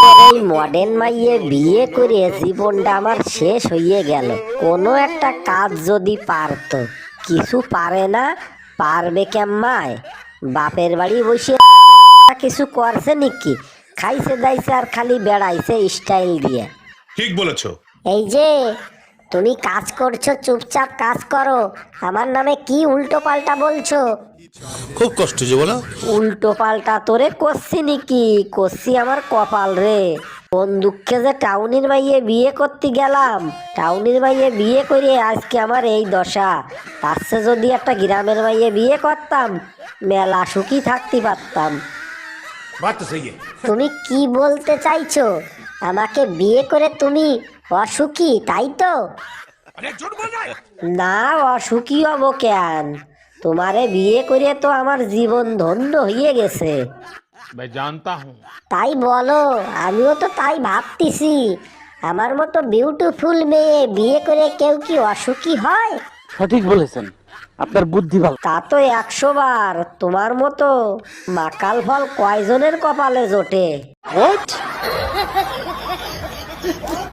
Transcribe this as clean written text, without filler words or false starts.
এই মডার্ন মাইয়ে বিয়ে করে জীবনটা আমার শেষ হয়ে গেল। কোনো একটা কাজ যদি পারতো, কিছু পারে না, পারবে কেম্মায়? বাপের বাড়ি বসে কিছু করছে নাকি? খাইছে দাইছে আর খালি বেড়াইছে স্টাইল দিয়ে। ঠিক বলেছো। এই যে তুমি কাজ করছো, চুপচাপ কাজ করো। আমার নামে কি উল্টো পাল্টা বলছো? খুব কষ্ট যে বলো। উল্টো পাল্টা তোরে করছি নাকি? করছি আমার কপাল রে। কোন দুঃখে যে টাউনের মাইয়ে বিয়ে করতে গেলাম, টাউনের মাইয়ে বিয়ে করে আজকে আমার এই দশা। তার চেয়ে যদি একটা গ্রামের মাইয়ে বিয়ে করতাম, মেলা সুখী থাকতে পারতাম। তুমি কি বলতে চাইছো? আমাকে বিয়ে করে তুমি অসুখী, তাই তো? না, অসুখী হব কেন? তোমারে বিয়ে করে তো আমার জীবন ধন্য হয়ে গেছে। তাই বলো, আমিও তো তাই ভাবতেছি। আমার মতো বিউটিফুল মেয়ে বিয়ে করে কেউ কি অসুখী হয়? সঠিক বলেছেন, আপনার বুদ্ধি ভালো। তা তো 100 বার। তোমার মতো মাকাল ফল কয়জনের কপালে জোটে?